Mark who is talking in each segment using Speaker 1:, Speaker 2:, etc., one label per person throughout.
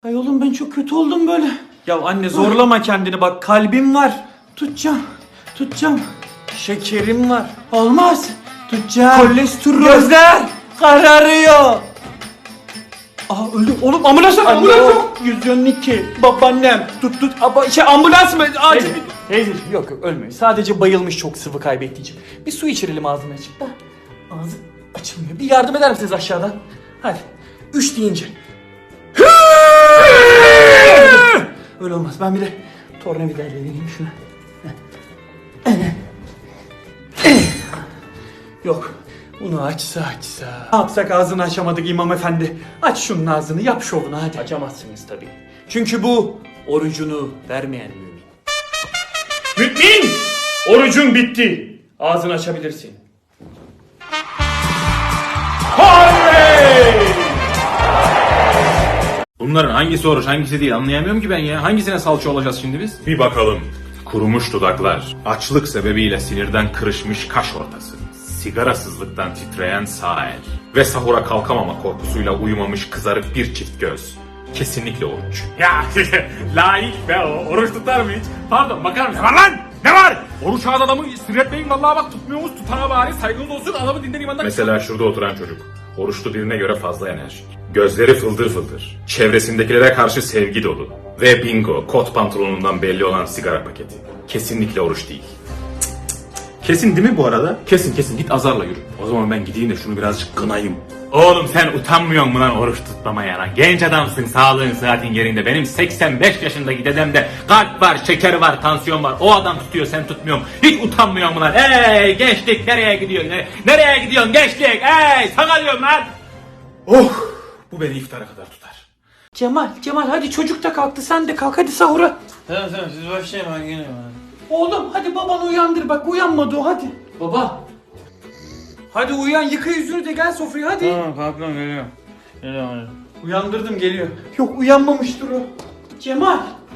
Speaker 1: Ay oğlum ben çok kötü oldum böyle. Ya anne zorlama kendini bak, kalbim var. Tutacağım. Şekerim var. Olmaz. Tutacağım. Kolesterol. Gözler kararıyor. Aa öldü. Oğlum ambulans yok. 112. Babaannem. Tut. Ambulans mı? Acil. Teyze yok ölmüyor. Sadece bayılmış, çok sıvı kaybettiği için. Bir su içirelim ağzına açık da. Ağzı açılmıyor. Bir yardım eder misiniz aşağıdan? Hadi. 3 deyince. Öyle olmaz. Ben bir de tornavidayla vereyim şuna. Yok. Bunu açsa. Ne yapsak, ağzını açamadık imam efendi. Aç şunun ağzını, yap şovunu hadi. Açamazsınız tabii. Çünkü bu orucunu vermeyen mümin. Mümin! Orucun bitti. Ağzını açabilirsin. Oley!
Speaker 2: Bunların hangisi oruç hangisi değil anlayamıyorum ki ben ya. Hangisine salça olacağız şimdi biz? Bir bakalım. Kurumuş dudaklar, açlık sebebiyle sinirden kırışmış kaş ortası, sigarasızlıktan titreyen sağ el ve sahura kalkamama korkusuyla uyumamış kızarık bir çift göz. Kesinlikle oruç. Ya layık be o. Oruç tutar mı hiç? Pardon bakar mısın? Ne var lan? Ne var? Oruç ağız adamı sinirletmeyin vallahi bak tutmuyormuş tutana bari saygınız olsun adamı dinden imandan. Mesela şurada oturan çocuk. Oruçlu birine göre fazla enerjik. Gözleri fıldır fıldır. Çevresindekilere karşı sevgi dolu. Ve bingo, kot pantolonundan belli olan sigara paketi. Kesinlikle oruç değil. Kesin değil mi bu arada? Kesin git azarla yürü. O zaman ben gideyim de şunu birazcık kınayım. Oğlum sen utanmıyor musun lan oruç tutmamaya lan? Genç adamsın, sağlığın sıhhatin yerinde. Benim 85 yaşındaki dedemde kalp var, şeker var, tansiyon var. O adam tutuyor, sen tutmuyorsun. Hiç utanmıyor musun lan? Ey gençlik nereye gidiyorsun? Nereye gidiyorsun gençlik? Ey sana diyorum lan. Oh, bu beni iftara kadar tutar.
Speaker 1: Cemal hadi, çocuk da kalktı, sen de kalk hadi sahura.
Speaker 3: Tamam siz başlayın ben geliyorum.
Speaker 1: Oğlum hadi babanı uyandır, bak uyanmadı o, hadi. Baba. Hadi uyan, yıka yüzünü de gel sofraya hadi.
Speaker 3: Tamam kalkıyorum geliyorum. Geliyorum.
Speaker 1: Uyandırdım, geliyor. Yok uyanmamıştır o. Cemal.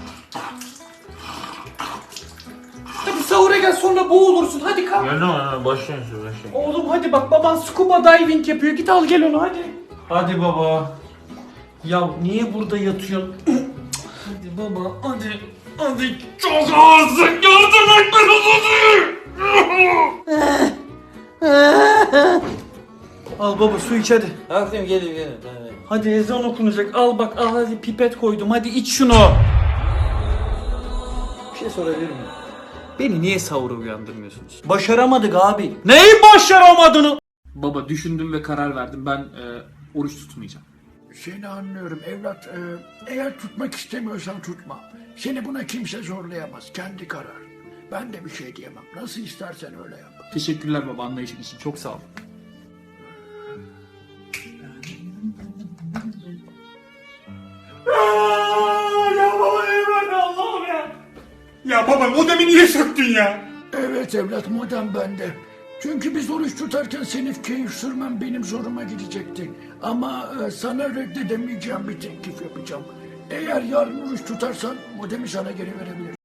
Speaker 1: Hadi sahura gel, sonra boğulursun, hadi kalk.
Speaker 3: Geldim başlayın siz başlayın.
Speaker 1: Oğlum hadi bak, baban scuba diving yapıyor, git al gel onu hadi. Hadi baba. Ya niye burada yatıyorsun? Hadi baba hadi. Hadi çok ağırsın, yardım et beni. Al baba su iç hadi.
Speaker 3: Kalktım geliyorum. Tamam.
Speaker 1: Hadi ezan okunacak, al bak, al hadi, pipet koydum, hadi iç şunu. Bir şey sorabilir miyim? Beni niye sahura uyandırmıyorsunuz? Başaramadık abi. Neyi başaramadığını? Baba düşündüm ve karar verdim, ben oruç tutmayacağım.
Speaker 4: Seni anlıyorum evlat. Eğer tutmak istemiyorsan tutma. Seni buna kimse zorlayamaz. Kendi karar. Ben de bir şey diyemem. Nasıl istersen öyle yap.
Speaker 1: Teşekkürler baba, anlayışın için, çok sağ ol. Ya baba eyvallah Allah'ım ya.
Speaker 2: Ya baba modemi niye söktün ya?
Speaker 4: Evet evlat modem bende. Çünkü biz oruç tutarken senin keyif sürmen benim zoruma gidecekti. Ama sana reddedemeyeceğim bir teklif yapacağım. Eğer yarın oruç tutarsan modemi sana geri verebilirim.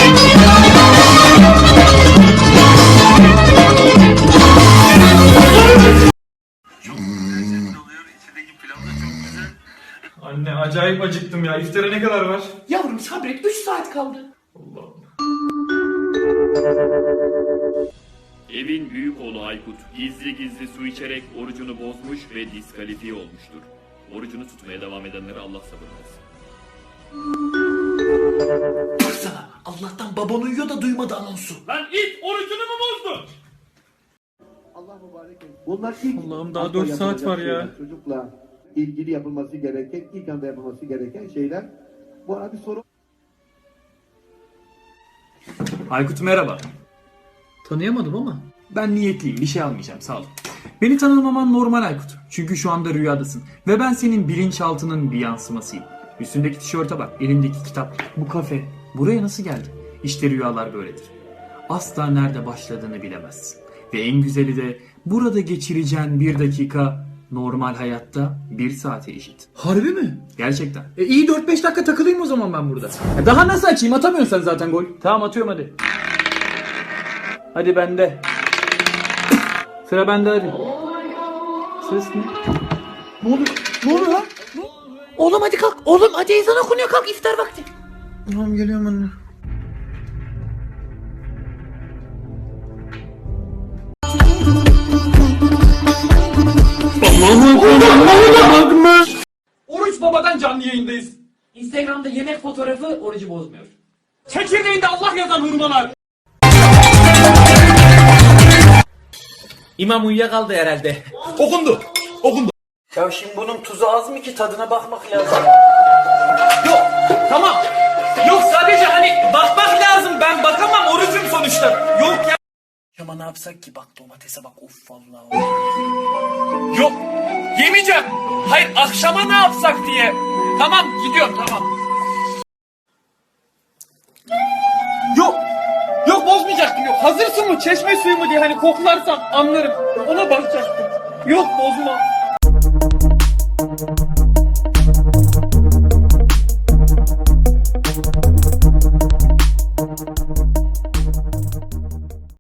Speaker 1: Anne acayip acıktım ya. İftara ne kadar var? Yavrum sabret, 3 saat kaldı. Allah'ım.
Speaker 5: Evin büyük oğlu Aykut gizli su içerek orucunu bozmuş ve diskalifiye olmuştur. Orucunu tutmaya devam edenlere Allah sabır versin.
Speaker 1: Baksana, Allah'tan baban uyuyor da duymadı anonsu.
Speaker 5: Lan it orucunu mu bozdun?
Speaker 6: Bunlar ilk
Speaker 1: Allah'ım daha 4 saat var ya.
Speaker 6: şeyler, çocukla ilgili yapılması gereken, ilk anda yapılması gereken şeyler. Bu arada bir soru.
Speaker 1: Aykut merhaba. Tanıyamadım ama. Ben niyetliyim, bir şey almayacağım, sağ ol. Beni tanımaman normal Aykut. Çünkü şu anda rüyadasın. Ve ben senin bilinçaltının bir yansımasıyım. Üstündeki tişörte bak, elindeki kitap, bu kafe. Buraya nasıl geldin? İşte rüyalar böyledir. Asla nerede başladığını bilemezsin. Ve en güzeli de burada geçireceğin 1 dakika normal hayatta 1 saate eşit. Harbi mi? Gerçekten. İyi 4-5 dakika takılayım o zaman ben burada. Daha nasıl açayım? Atamıyorsun sen zaten gol. Tamam atıyorum hadi. Hadi bende. Sıra bende hadi. Ses ne? Ne oluyor? Ne oluyor lan? Oğlum hadi kalk. Oğlum hadi ezan okunuyor, kalk, iftar vakti.
Speaker 3: Tamam geliyorum anne.
Speaker 1: Oruç Baba'dan canlı yayındayız. Instagram'da yemek fotoğrafı orucu bozmuyor. Çekirdeğinde Allah yazan hurmalar.
Speaker 3: İmam uyuyakaldı herhalde.
Speaker 2: Okundu. Okundu.
Speaker 3: Ya şimdi bunun tuzu az mı ki, tadına bakmak lazım.
Speaker 1: Yok, tamam. Yok, sadece hani bakmak lazım. Ben bakamam, orucum sonuçta. Yok ya.
Speaker 3: Ama ne yapsak ki, bak domatese bak, of vallahi.
Speaker 1: Yok, yemeyeceğim. Hayır, akşama ne yapsak diye. Tamam, gidiyorum, tamam. Yok, yok bozmayacaktım, yok. Hazır su mu, çeşme suyu mu diye hani koklarsam anlarım. Ona bakacaktım. Yok, bozma.